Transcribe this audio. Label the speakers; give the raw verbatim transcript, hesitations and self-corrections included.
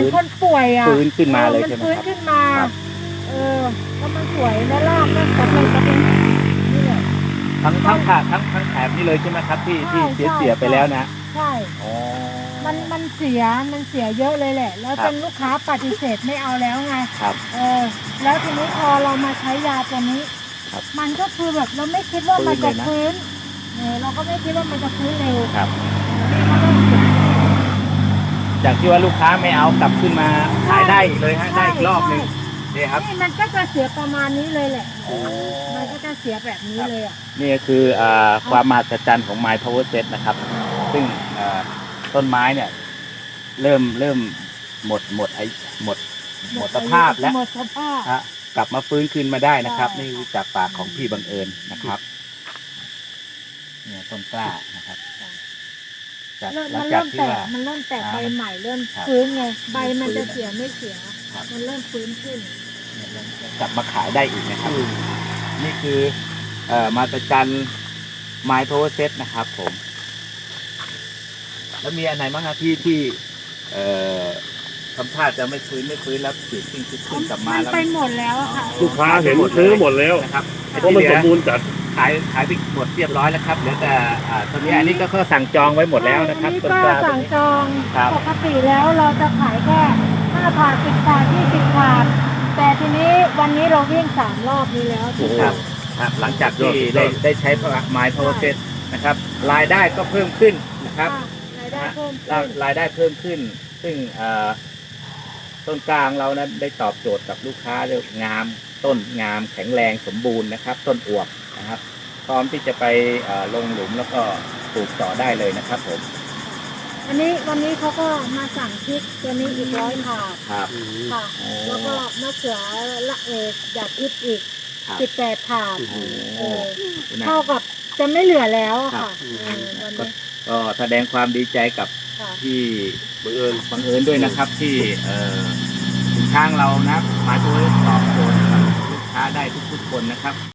Speaker 1: อนคนป่วยอ่ะ
Speaker 2: ฟื้นขึ้นมาเลยใช่ไหมครับ
Speaker 1: มันฟื้นขึ้นมาเออแล้วมันสวยและรากก็กำลังจะเป็นนี่แหละ
Speaker 2: ทั้งทั้งขาทั้งทั้งแถบนี่เลยใช่ไหมครับที่ที่เสียเสียไปแล้วนะ
Speaker 1: ใช่
Speaker 2: อ๋อ
Speaker 1: มันมันเสียมันเสียเยอะเลยแหละ แล้วจนลูกค้าปฏิเสธไม่เอาแล้วไง
Speaker 2: ครับ
Speaker 1: เออแล้วทีนี้พอเรามาใช้ยาตัวนี้มันก็คือแบบเราไม่คิดว่ามันจะฟื้นเออเราก็ไม่คิดว่ามันจะฟื้นเร็ว
Speaker 2: ครับจากที่ว่าลูกค้าไม่เอากลับขึ้นมาขายได้อีกเลยฮะได้อีกรอบหนึ่งนี่ครับ
Speaker 1: นี่มันก็จะเสียประมาณนี้เลยแหละมันก็จะเสียแบบนี้เลยอ่ะ
Speaker 2: นี่ก็คือความมหัศจรรย์ของ My Power Set นะครับซึ่งต้นไม้เนี่ยเริ่มเริ่มหมดหมดไอหมดหมดสภาพแล้วกลับมาฟื้นขึ้นมาได้นะครับนี่จากปากของพี่บังเอิญนะครับเนี่ยต้นกล้านะครับ
Speaker 1: มันเริ่มแตกมันเริ่มแตกใบใหม่เริ่มฟื้นไงใบมันจะเสียไม่เสียมันเริ่มฟื้นขึ้น
Speaker 2: กลับมาขายได้อีกนะครับนี่คือเอ่อมหัศจรรย์ My Power Set นะครับผมแล้วมีอันไหนบ้างครับที่ที่เอ่อทำท่าจะไม่ฟื้นไม่ฟื้นแล้วปิดทิ้งขึ้นกลับมาแล้ว
Speaker 1: ไปหมดแล้วค่ะ
Speaker 3: ลูกค้าเห็นซื้อหมดแล้ว
Speaker 2: นะครับ
Speaker 3: เพราะมันสมบูรณ์จัด
Speaker 2: ขายขายไปหมดเรียบร้อยแล้วครับเหลือแต่ตอนนี้อันนี้ก็สั่งจองไว้หมดแล้วนะครับ
Speaker 1: ก็สั่งจองปกติแล้วเราจะขายแค่ห้าถาดสิบถาดยี่สิบถาดแต่ทีนี้วันนี้เราวิ่งสามรอบนี้แล้ว
Speaker 2: ครับครับหลังจากที่ได้ได้ใช้ My Power Set นะครับรายได้ก็เพิ่มขึ้นนะครับ
Speaker 1: รายได้เพิ่มขึ้น
Speaker 2: รายได้เพิ่มขึ้นซึ่งต้นกลางเรานั้นได้ตอบโจทย์กับลูกค้าเรื่องงามต้นงามแข็งแรงสมบูรณ์นะครับต้นอวบนะครับพร้อมที่จะไปลงหลุมแล้วก็ปลูกต่อได้เลยนะครับผม
Speaker 1: วันนี้วันนี้เขาก็มาสั่งพริกตัวนี้อีกร้อยถาด
Speaker 2: ครับ
Speaker 1: ค่ะแล้วก็มะเขือละเอกหยาดพริกอีกสิบแปดถาดเท่ากับจะไม่เหลือแล้วค่ะ
Speaker 2: ก็แสดงความดีใจกับที่บังเอิญบังเอิญด้วยนะครับที่สินค้าเรานะมาช่วยตอบโจทย์ลูกค้าได้ทุกๆคนนะครับ